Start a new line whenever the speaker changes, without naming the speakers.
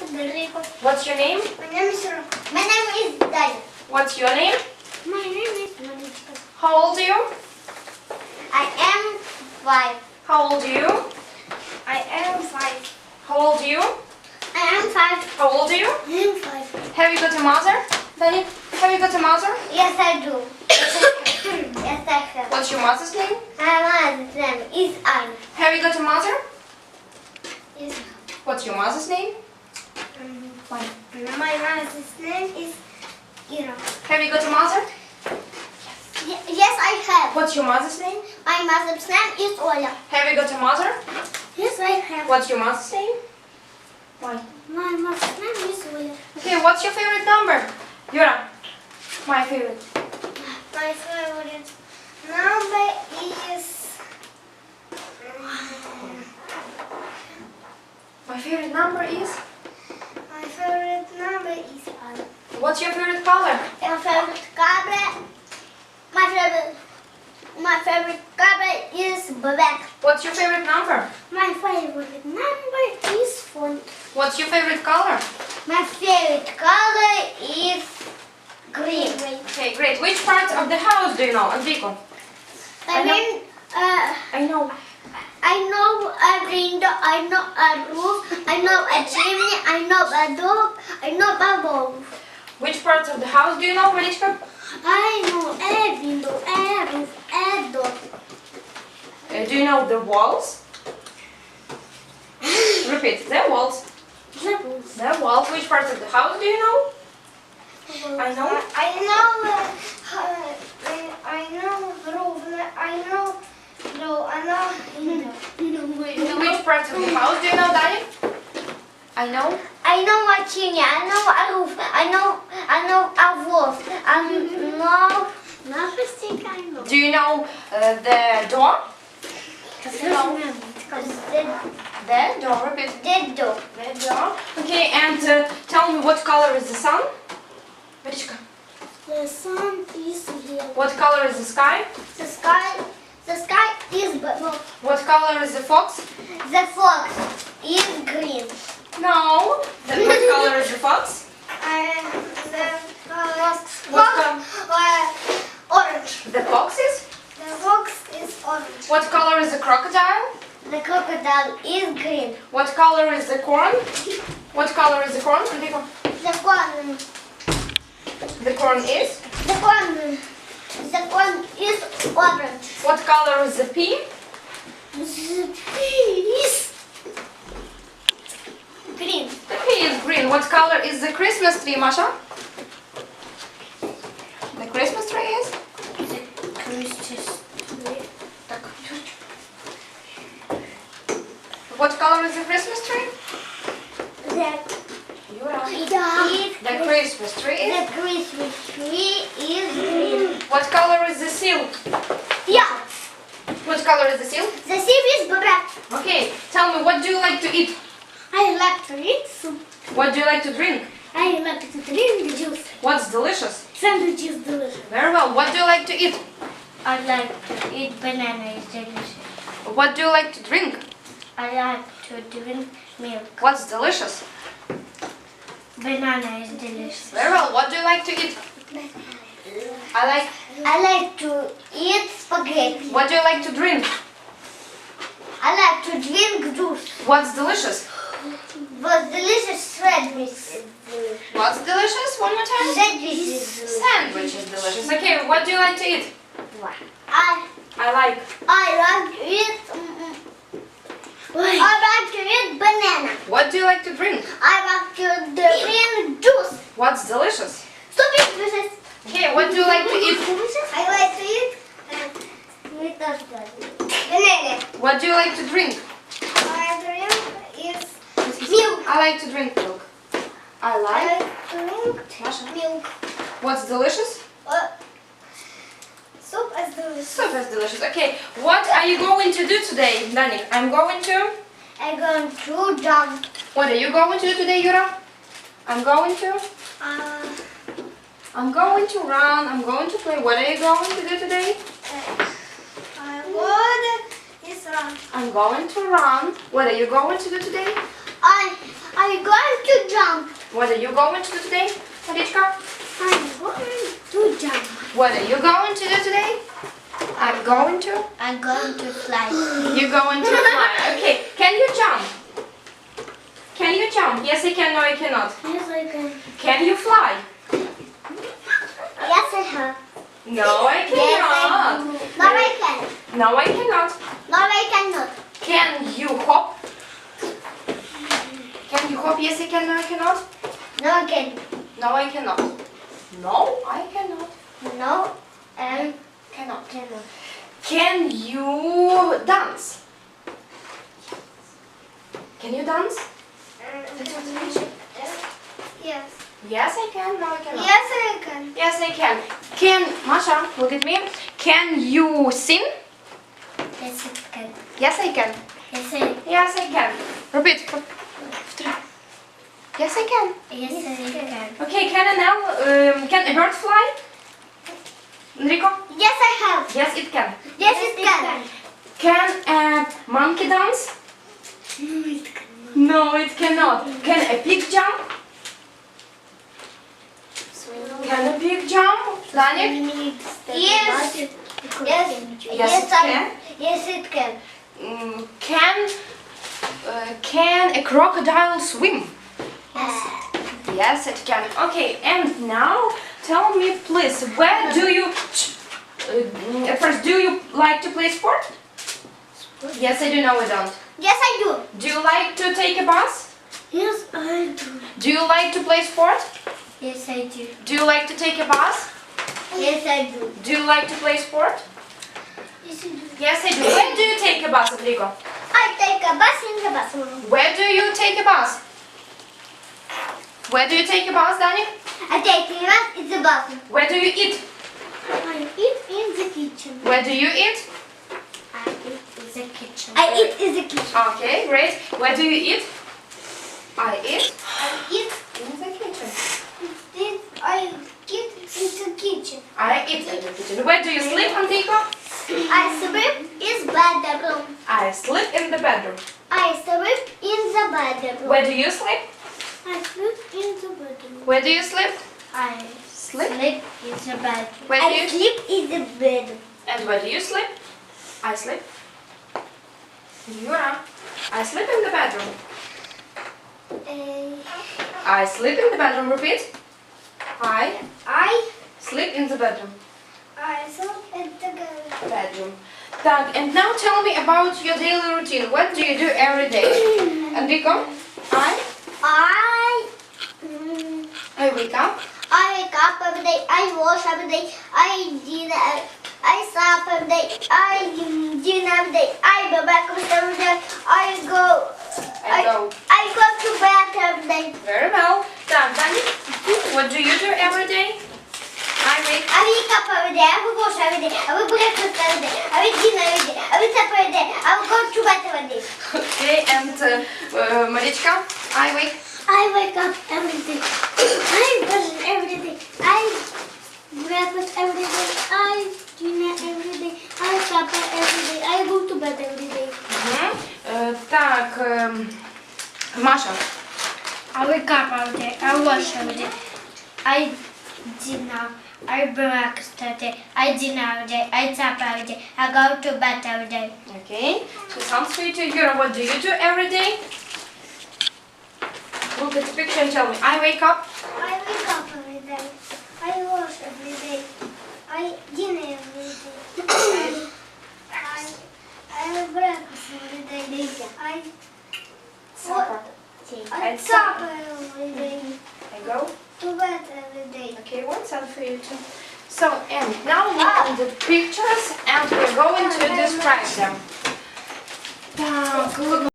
Federico.
What's your name?
My name is Daniel.
What's your name?
My name is Monica.
How old are you?
I am 5.
How old are you?
I am 5.
How old are you?
I am 5.
How old are you?
I am 5.
Have you got a mother? Danny, have you got a mother?
Yes, I do. Yes, I have.
What's your mother's name?
My mother's name is Anna.
Have you got a mother?
Yes.
What's your mother's name? Fine.
My mother's name is Ira.
Have you got a mother?
Yes, I have.
What's your mother's name?
My mother's name is Oля.
Have you got a mother?
Yes, I have.
What's your mother's name? Why?
My mother's name is Oля.
Okay, what's your favorite number? Yura. My favorite.
My favorite number is...
My favorite number is?
My favorite number is 1.
What's your favorite color?
My favorite color... My favorite color is black.
What's your favorite number?
My favorite number is 4.
What's your favorite color?
My favorite color is green.
Okay, great. Which part of the house do you know, Enrico?
I mean,
I know.
I know a window, I know a roof, I know a chimney, I know a door, I know a wall.
Which parts of the house do you know, Marichka?
I know a window, a roof, a door.
Do you know the walls? Repeat, the walls. The walls. Which parts of the house do you know? I know.
I know the roof, I know door, I know
Which parts of the house do you know, Daddy? I know.
I know a chimney, I know a roof, I know a wall, I know.
Do you know the door? The door. Repeat.
The door.
The door. Okay, and tell me what color is the sun? Marichka.
The sun is here.
What color is the sky?
The sky is blue.
What color is the fox?
The fox is green.
No. What color is the fox?
The fox orange.
The fox is?
The fox is orange.
What color is the crocodile?
The crocodile is green.
What color is the corn? What color is the corn? Enrico?
The corn.
The corn is?
The corn is orange.
What color is the pea?
The pea is green.
The pea is green. What color is the Christmas tree, Masha? The Christmas tree is?
The Christmas tree.
Так. What color is the Christmas tree? The Christmas tree is?
The Christmas tree is green.
What color is the seal?
Yeah.
What color is the seal?
The sea is black.
Okay, tell me, what do you like to eat?
I like to eat soup.
What do you like to drink?
I like to drink juice.
What's delicious?
Sandwich is delicious.
Very well. What do you like to eat?
I like to eat banana. It's delicious.
What do you like to drink?
I like to drink milk.
What's delicious?
Banana is delicious.
Very well. What do you like to eat?
I like to eat spaghetti.
What do you like to drink?
I like to drink juice.
What's delicious?
But delicious sandwich.
What's delicious? One more time.
Sandwich.
Sandwich is delicious. Okay, what do you like to eat? I like.
I like to eat. I like to eat banana.
What do you like to drink?
I like to drink juice.
What's delicious?
Stupid juices.
Okay, what do you like to eat?
I like to eat banana.
What do you like to drink?
I drink is milk.
I like to drink milk. I
I
like.
like to drink
Masha.
milk.
What's delicious?
Soup is delicious.
Soup is delicious. Okay, what are you going to do today, Dani? I'm going to.
I'm going to jump.
What are you going to do today, Yura? I'm going to. I'm going to run. I'm going to play. What are you going to do today?
I would is
I'm going to run. What are you going to do today?
I'm going to jump.
What are you going to do today, Marichka?
I'm going to jump.
What are you going to do today? I'm going to.
I'm going to fly.
You're going to fly. Okay. Can you jump? Can you jump? Yes, I can. No, I cannot.
Yes, I can.
Can you fly?
Yes, I have.
No, I cannot.
No, I can.
No, I cannot.
No, I cannot.
Can you hop? Can you hop? Yes, I can. No, I cannot.
No, I can.
No, I cannot. No, I cannot.
No, I
Cannot.
cannot.
Can you dance? Can you dance?
Yes.
Yes, I can. No, I cannot.
Yes, I can.
Yes, I can. Can Masha, look at me. Can you sing?
Yes, I can.
Yes, I can.
Yes, I
Yes, I can. Repeat. Yes, I can.
Yes, I can.
Okay, can a bird fly? Enrico?
Yes, I have.
Yes, it can.
Yes, it can.
Can a monkey dance?
No, it cannot.
No, it cannot. Can a pig jump? Can a pig jump? Danik?
Yes. Yes.
Yes, it can.
Yes, it can.
Can a crocodile swim?
Yes.
Yes, it can. Okay, and now tell me, please, where do you? First, do you like to play sport? Yes, I do. No, I don't.
Yes, I do.
Do you like to take a bus?
Yes, I do.
Do you like to play sport?
Yes, I do.
Do you like to take a bus?
Yes, I do.
Do you like to play sport?
Yes, I do.
Yes, I do. When do you take a bus, Enrico?
I take a bus in the bathroom.
Where do you take a bus? Where do you take a bus, Dani?
I take a bus in the bathroom.
Where do you eat?
I eat in the kitchen.
Where do you eat?
I eat in the kitchen. I eat in the kitchen.
Okay, great. Where do you eat? I eat
I eat
in the kitchen.
I eat in the kitchen.
I eat in the kitchen. Where do you sleep, Enrico?
I sleep in the bedroom.
I sleep in the bedroom.
I sleep in the bedroom.
Where do you sleep?
I sleep in the bedroom.
Where do you sleep?
I
Sleep?
sleep in the bedroom.
Where do
I
you-
sleep in the bedroom.
And where do you sleep? I sleep. Yura, I sleep in the bedroom. I sleep in the bedroom. Repeat. I
I
sleep in the bedroom.
sleep in the
Bedroom. Так, and now tell me about your daily routine. What do you do every day? Enrico? I wake up.
I wake up every day. I wash every day. I dinner. I sleep every day. I dinner every day. I go breakfast every day. I go to bed every day.
Very well. Так, Dani, what do you do every day? I wake
I wake up every day. I will wash every day. I will breakfast every day. I will dinner every day. I will sleep every day. I will go to bed every day.
Okay, and Marichka, I wake.
I wake up every day. I brush every day. I breakfast every day. I dinner every day. I supper every day. I go to bed every day.
Так, Маша.
I wake up every day. I wash every day. I dinner. I breakfast every day. I dinner every day. I supper every day. I go to bed every day.
Okay, so sounds sweet to Yura. What do you do every day? Look at the picture and tell me. I wake up.
I wake up every day. I wash every day. I dinner every day. I have breakfast every day.
Supper.
I supper every day.
I go.
To bed every day.
Okay, what's up for you too? So, and now look at the pictures and we're going to describe them. Так, look